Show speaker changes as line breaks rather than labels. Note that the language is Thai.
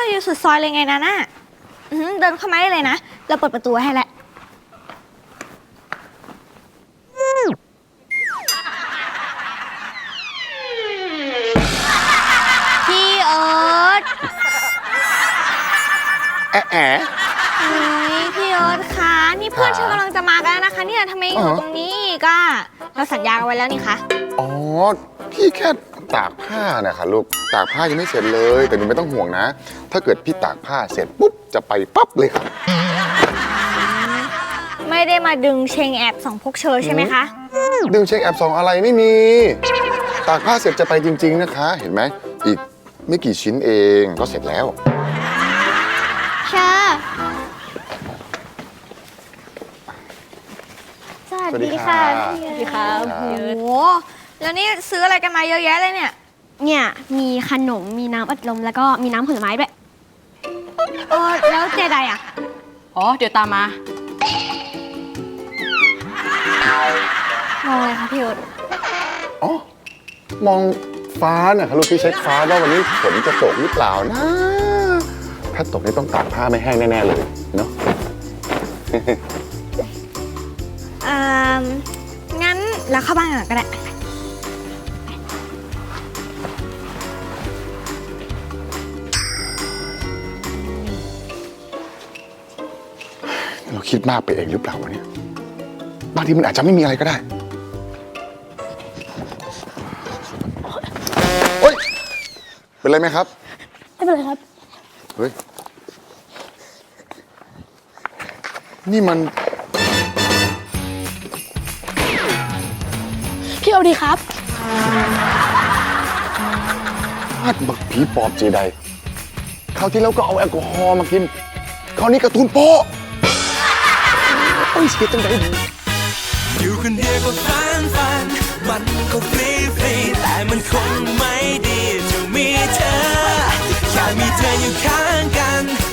อยู่สุดซอยเลยไงนะน่ะเดินเข้ามาได้เลยนะเราเปิดประตูให้แล้วพี่เอิร์ธ
แอะ
พี่เอิร์ธคะนี่เพื่อนฉันกำลังจะมากันแล้วนะคะเนี่ยทำไมอยู่ตรงนี้อีกอะเราสัญญากันไว้แล้วนี่คะ
อ๋อพี่แค่ตากผ้านะคะลูกตากผ้ายังไม่เสร็จเลยแต่หนูไม่ต้องห่วงนะถ้าเกิดพี่ตากผ้าเสร็จปุ๊บจะไปปั๊บเลยครับ
ไม่ได้มาดึงเชงแอบสองพวกเชอใช่ไหมคะ
ดึงเช็คแอป2อะไรไม่มีตากผ้าเสร็จจะไปจริงๆนะคะเห็นไหมอีกไม่กี่ชิ้นเองก็เสร็จแล้ว
เชอสวัสดีค่ะสวัสดีค่ะโอ้โหแล้วนี่ซื้ออะไรกันมาเยอะแยะเลยเนี่ย
มีขนมมีน้ำอัดลมแล้วก็มีน้ำผลไม้ด้วย
แล้วเจไดอะ
อ๋อเดี๋ยวตามมา
มองอะไรคะพี่อุด
อ๋อมองฟ้านะคะลูกพี่เช็คฟ้าว่าวันนี้ฝนจะตกหรือเปล่านะถ้าตกนี่ต้องตากผ้าไม่แห้งแน่ๆเลยเนาะ
งั้นเราเข้าบ้านก่อนก็ได้
เราคิดมากไปเองหรือเปล่าวะเนี่ยบางทีมันอาจจะไม่มีอะไรก็ได้โอ๊ยเป็นไรไหมครับ
ไม่เป็นไรครับ
เฮ้ยนี่มัน
พี่เอาดีครับ
พลาดบักผีปอบเจไดคราวที่แล้วก็เอาแอลกอฮอล์มากินคราวนี้การ์ตูนโป๊ะโอ้ยเสียจังได
อยู่คนเดียวก็ฟันมันก็ฟรีแต่มันคงไม่ดีจะมีเธอแค่มีเธออยู่ข้างกัน